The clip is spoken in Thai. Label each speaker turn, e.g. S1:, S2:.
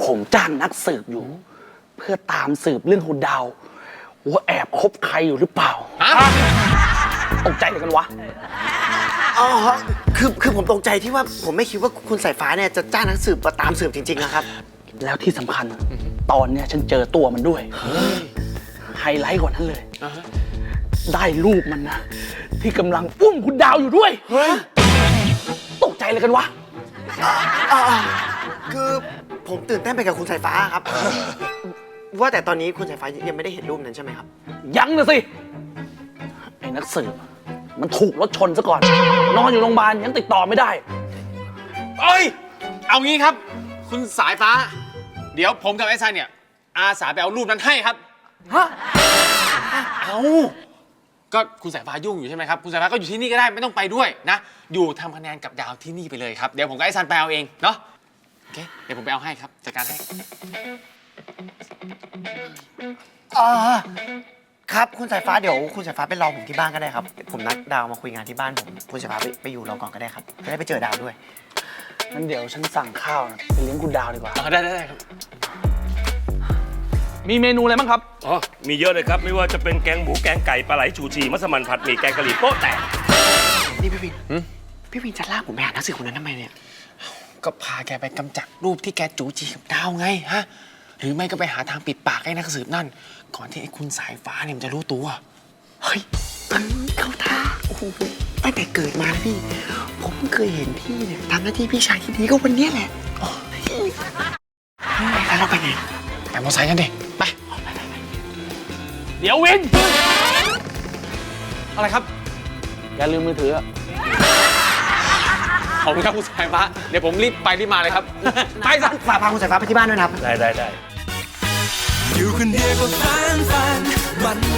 S1: ผมจ้างนักสืบอยู่ เพื่อตามสืบเรื่องคุณดาวว่าแอบคบใครอยู่หรือเปล่าตกใจเลยกันวะ
S2: อ๋อคือผมตกใจที่ว่าผมไม่คิดว่าคุณสายฟ้าเนี่ยจะจ้างนักสืบมาตามสืบจริงๆนะครับ
S1: แล้วที่สำคัญตอนเนี้ยฉันเจอตัวมันด้วยไฮไลท์กว่านั้นเลยได้รูปมันนะที่กำลังอุ้มคุณดาวอยู่ด้วยตกใจเลยกันวะ
S2: คือผมตื่นเต้นไปกับคุณสายฟ้าครับ ว่าแต่ตอนนี้คุณสายฟ้ายังไม่ได้เห็นรูปนั้นใช่ไหมครับ
S1: ยังนะสิไอ้นักสืบมันถูกรถชนซะก่อน นอนอยู่โรงพยาบาลยังติดต่อไม่ได้
S3: เอ้ย เอางี้ครับ คุณสายฟ้า เดี๋ยวผมกับไอ้ซันเนี่ย อาสาไปเอารูปนั้นให้ครับ
S1: ฮะ
S3: เอาก็คุณสายฟ้ายุ่งอยู่ใช่ไหมครับ คุณสายฟ้าก็อยู่ที่นี่ก็ได้ไม่ต้องไปด้วยนะ อยู่ทำคะแนนกับดาวที่นี่ไปเลยครับ เดี๋ยวผมกับไอ้ซันไปเอาเองเนาะ โอเค เดี๋ยวผมไปเอาให้ครับ จัดการให้
S2: ครับคุณสายฟ้าเดี๋ยวคุณสายฟ้าไปรอผมที่บ้านก็ได้ครับ ผมนัดดาวมาคุยงานที่บ้านผมคุณสายฟ้าไปอยู่รอก่อนก็ได้ครับจะได้ไปเจอดาวด้วย
S1: งั้นเดี๋ยวฉันสั่งข้าวนะไปเลี้ยงคุณดาวดีกว่า
S3: ได้ครับ
S1: มีเมนูอะไรบ้างครับ
S4: อ๋อ มีเยอะเลยครับ ไม่ว่าจะเป็นแกงหมูแกงไก่ปลาไหลชูชีมัสมั่นผัดหมี่แกงกะหรี่โป๊ะแตก
S2: นี่พี่วินจะลากผมไปหานักสืบคนนั้นทำไมเนี่ย
S3: ก็พาแกไปกำจัดรูปที่แกจูจีกับดาวไงฮะ หรือไม่ก็ไปหาทางปิดปากให้นักสืบนั่น ก่อนที่ไอ้คุณสายฟ้าเนี่ยมันจะรู้ตัว
S2: เฮ้ยเข้าท่าโอ้โหตั้งแต่เกิดมานะพี่ ผมเพิ่งเคยเห็นพี่เนี่ยทำหน้าที่พี่ชายที่ดีก็วันเนี้ยแหละแล้วเราไปไหน
S3: ไปมอเตอร์ไซค์กันดิ ไป
S1: เดี๋ยววิน
S3: อะไรครับ
S1: อย่าลืมมือถืออะ
S3: ขอบคุณครับคุณสายฟ้า เดี๋ยวผมรีบไปรีบมาเลยครับ ไปซะ
S2: ฝากพาคุณสายฟ้าไปที่บ้านด้วยนะครับ
S4: ได้
S5: อยู่คนเดียวก็ฟันมัน